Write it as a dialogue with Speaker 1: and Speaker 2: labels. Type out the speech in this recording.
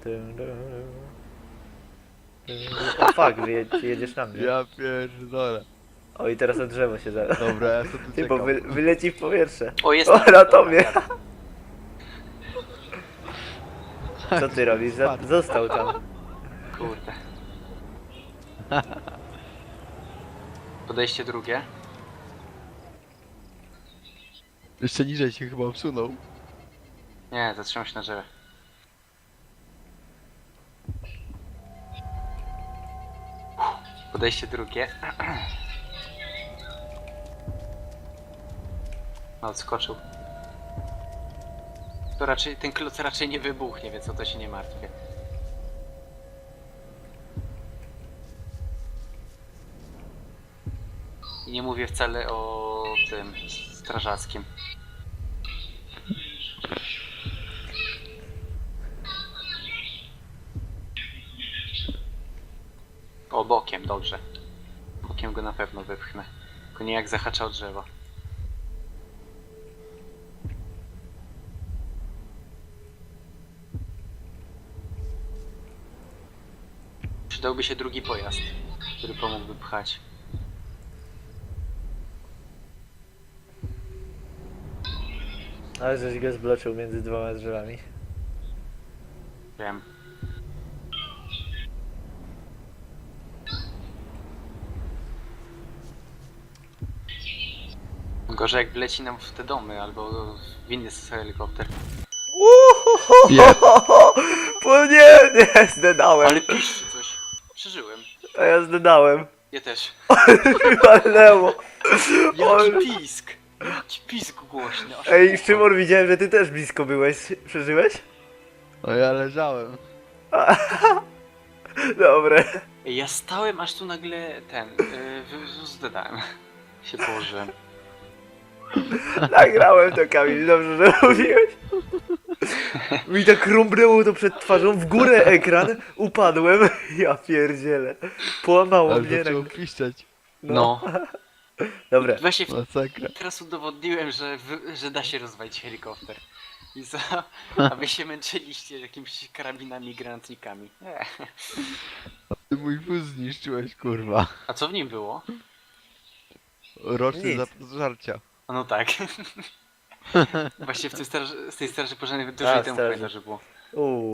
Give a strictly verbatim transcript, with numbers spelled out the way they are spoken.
Speaker 1: Dum, dum, dum. O fuck, wy je- jedziesz na mnie.
Speaker 2: Ja pierdolę.
Speaker 1: O i teraz na drzewo się za...
Speaker 2: Dobra, ja sobie tu
Speaker 1: Ty, bo wy,
Speaker 2: czekam.
Speaker 1: wyleci w powietrze.
Speaker 3: O, jest
Speaker 1: O,
Speaker 3: tam,
Speaker 1: na
Speaker 3: dobra,
Speaker 1: tobie.
Speaker 3: jadę.
Speaker 1: Co ty robisz? Za- Został tam.
Speaker 3: Kurde. Podejście drugie.
Speaker 2: Jeszcze niżej się chyba obsunął.
Speaker 3: Nie, zatrzymał się na drzewie. Podejście drugie. No, odskoczył. To raczej, ten kloc raczej nie wybuchnie, więc o to się nie martwię. I nie mówię wcale o tym strażackim. O, bokiem, dobrze. Bokiem go na pewno wypchnę. Tylko nie jak zahacza o drzewo. Przydałby się drugi pojazd, który pomógłby pchać.
Speaker 1: Ale żeś go zbloczył między dwoma drzewami.
Speaker 3: Wiem. Gorzej jak wleci nam w te domy, albo w inny helikopter.
Speaker 2: Nie.
Speaker 1: Bo nie, nie, zdedałem.
Speaker 3: Ale piszczy coś. Przeżyłem.
Speaker 1: A ja zdedałem.
Speaker 3: Ja też.
Speaker 1: Walnęło. Oj.
Speaker 3: Jaki pisk! Jaki pisk głośny. aż
Speaker 1: Ej,
Speaker 3: ucho.
Speaker 1: Szymon, widziałem, że ty też blisko byłeś. Przeżyłeś?
Speaker 2: No ja leżałem.
Speaker 1: Dobre.
Speaker 3: Ej, ja stałem aż tu nagle ten. Yy, zdedałem. Się położyłem.
Speaker 1: Nagrałem to, Kamil, dobrze, że mówiłeś. Mi tak rąbnęło to przed twarzą, w górę ekran, upadłem. Ja pierdzielę. Połamało
Speaker 2: Ale
Speaker 1: mnie.
Speaker 2: zaczęło
Speaker 1: Tak...
Speaker 2: piszczeć.
Speaker 3: No.
Speaker 1: Dobra.
Speaker 3: Właśnie w...
Speaker 2: Masakra.
Speaker 3: teraz udowodniłem, że, wy... że da się rozwalić helikopter. I co? A wy się męczyliście jakimiś karabinami i granatnikami. Nie.
Speaker 2: Ty mój wóz zniszczyłeś, kurwa.
Speaker 3: A co w nim było?
Speaker 2: Roczny
Speaker 1: Nic.
Speaker 2: zapас żarcia.
Speaker 3: A no tak. Właśnie w tym straży, z tej straży pożarnej
Speaker 1: A,
Speaker 3: dużo temu
Speaker 1: straży.
Speaker 3: pamiętam, że było.
Speaker 1: Uuu.